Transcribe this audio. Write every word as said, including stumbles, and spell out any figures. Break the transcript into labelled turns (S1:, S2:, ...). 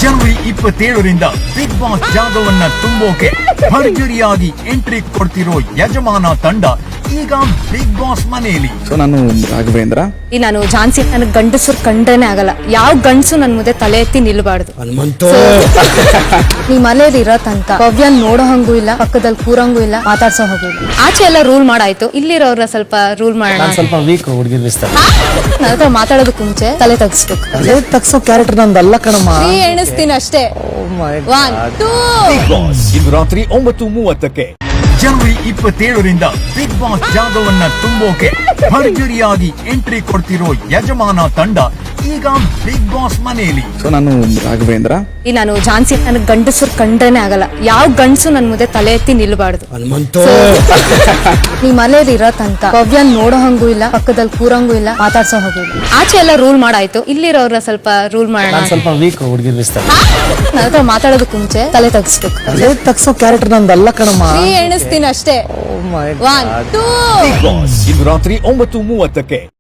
S1: ಜನವರಿ ಇಪ್ಪತ್ತೇಳರಿಂದ big boss ಜಾಗವನ್ನ ತುಂಬೋಕೆ ಭರ್ಜರಿಯಾಗಿ entry ಕೊಡ್ತಿರೋ ಯಜಮಾನ ತಂಡ ಈಗ ಬಿಗ್ ಬಾಸ್ ಮನೆಯಲ್ಲಿ.
S2: ಸೊ ನಾನು ರಾಘವೇಂದ್ರ,
S3: ಈ ನಾನು ಝಾನ್ಸಿ, ನನಗೆ ಗಂಡಸರು ಕಂಡ್ರೇನೆ ಆಗಲ್ಲ. ಯಾವ ಗಂಡಸು ನನ್ ಮುಂದೆ ತಲೆ ಎತ್ತಿ ನಿಲ್ಬಾರ್ದು. ನೀ ಮನೇಲಿ ಇರೋ ತನಕ ಭವ್ಯನ್ ನೋಡೋ ಹಂಗೂ ಇಲ್ಲ, ಪಕ್ಕದಲ್ಲಿ ಕೂರಂಗೂ ಇಲ್ಲ, ಮಾತಾಡ್ಸೋ ಹೋಗೂ ಇಲ್ಲ. ಆಚೆ ಎಲ್ಲ ರೂಲ್ ಮಾಡಾಯ್ತು, ಇಲ್ಲಿರೋರ ಸ್ವಲ್ಪ ರೂಲ್ ಮಾಡೋಣ.
S4: ಸ್ವಲ್ಪ ವೀಕ್ ಹುಡುಗಿರ್
S3: ನನ್ನ ಹತ್ರ ಮಾತಾಡೋದಕ್ಕೆ ಮುಂಚೆ ತಲೆ ತಗ್ಸ್ಬೇಕು.
S4: ತಲೆ ತಗ್ಸೋ ಕ್ಯಾರೆಕ್ಟರ್ ನಂದಲ್ಲ ಕಣಮ್ಮ.
S3: ನೀ ಎಣಿಸ್ತೀನಿ ಅಷ್ಟೇ. ಒನ್ ಟೂ
S1: ಬಿಗ್ ಬಾಸ್ ಇಂದು ರಾತ್ರಿ ಒಂಬತ್ತು ಮೂವತ್ತಕ್ಕೆ. ಜನವರಿ ಇಪ್ಪತ್ತೇಳರಿಂದ ಬಿಗ್ ಬಾಸ್ ಜಾಗವನ್ನ ತುಂಬೋಕೆ ಭರ್ಜರಿಯಾಗಿ ಎಂಟ್ರಿ ಕೊಡ್ತಿರೋ ಯಜಮಾನ ತಂಡ ಈಗ ಬಿಗ್ ಬಾಸ್ ಮನೆಯಲ್ಲಿ.
S2: ಸೊ ನಾನು ರಾಘವೇಂದ್ರ,
S3: ಈ ನಾನು ಝಾನ್ಸಿ, ನನಗೆ ಗಂಡಸರು ಕಂಡ್ರೇನೆ ಆಗಲ್ಲ. ಯಾವ ಗಂಡಸು ನನ್ ಮುಂದೆ ತಲೆ ಎತ್ತಿ ನಿಲ್ಬಾರ್ದು. ನೀ ಮನೇಲಿ ಇರೋ ತನಕ ಭವ್ಯನ್ ನೋಡೋ ಹಂಗೂ ಇಲ್ಲ, ಪಕ್ಕದಲ್ಲಿ ಕೂರಂಗೂ ಇಲ್ಲ, ಮಾತಾಡ್ಸೋ ಹೋಗೂ ಇಲ್ಲ. ಆಚೆ ಎಲ್ಲ ರೂಲ್ ಮಾಡಾಯ್ತು, ಇಲ್ಲಿರೋರ ಸ್ವಲ್ಪ ರೂಲ್ ಮಾಡೋಣ.
S4: ಸ್ವಲ್ಪ ವೀಕ್ ಹುಡುಗಿರ್
S3: ನನ್ನ ಹತ್ರ ಮಾತಾಡೋದಕ್ಕೆ ಮುಂಚೆ ತಲೆ ತಗ್ಸ್ಬೇಕು.
S4: ತಲೆ ತಗ್ಸೋ ಕ್ಯಾರೆಕ್ಟರ್ ನಂದಲ್ಲ ಕಣಮ್ಮ.
S3: ನೀ ಎಣಿಸ್ತೀನಿ ಅಷ್ಟೇ. ಒನ್ ಟೂ
S1: ಬಿಗ್ ಬಾಸ್ ಇಂದು ರಾತ್ರಿ ಒಂಬತ್ತು ಮೂವತ್ತಕ್ಕೆ.